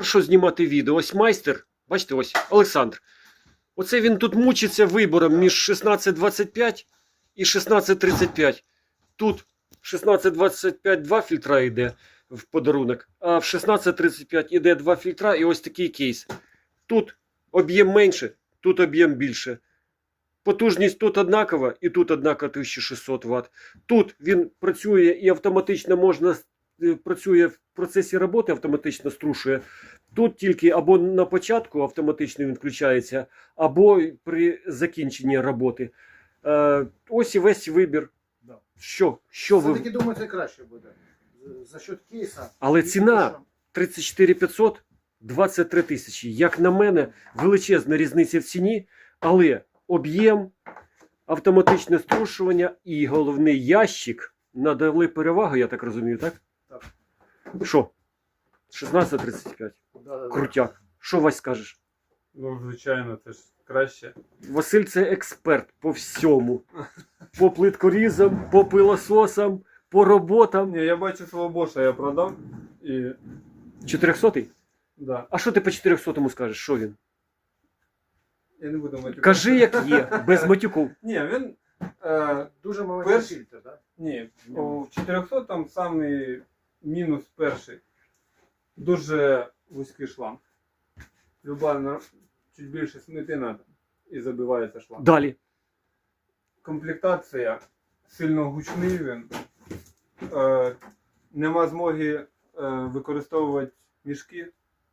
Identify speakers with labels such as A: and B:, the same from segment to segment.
A: що знімати відео. Ось майстер, бачите, ось Олександр. Оце він тут мучиться вибором між 1625 і 1635. Тут 1625 два фільтра йде в подарунок, а в 1635 іде два фільтра і ось такий кейс. Тут об'єм менше, тут об'єм більше. Потужність тут однакова і тут однакова 1600 Вт. Тут він працює і автоматично можна, працює в процесі роботи, автоматично струшує. Тут тільки або на початку автоматично він включається, або при закінченні роботи. Ось і весь вибір.
B: Да.
A: Що ви...
B: Все-таки думаю, це краще буде. За счет кейса.
A: Але ціна 34 500, 23 тисячі. Як на мене, величезна різниця в ціні, але об'єм, автоматичне струшування і головний ящик надали перевагу, я так розумію, так?
B: Так.
A: Що? 1635.
B: Да.
A: Крутяк. Що, Вась, скажеш?
C: Ну, звичайно, це ж краще.
A: Василь це експерт по всьому. По плиткорізам, по пилососам, по роботам.
C: Ні, я бачу свого боша, я продав і...
A: 400-й?
C: Да.
A: А що ти по 400-му скажеш? Що він?
C: Я не буду матюкати.
A: Кажи, як є, без матюків.
C: Ні, він...
B: Дуже маленький
C: Перш-
B: фільтр, так?
C: Ні, в 400 там самий мінус перший. Дуже вузький шланг. Люба чуть більше смити треба і забивається шланг.
A: Далі.
C: Комплектація сильно гучний він. Нема змоги використовувати мішки.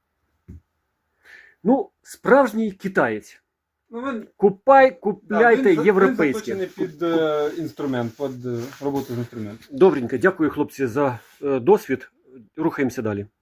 A: Ну, справжній китаєць.
C: Ну, він,
A: Купляйте
C: він
A: європейське.
C: заточений під інструмент, під роботу з інструментом.
A: Добренько, дякую, хлопці, за досвід. Рухаємося далі.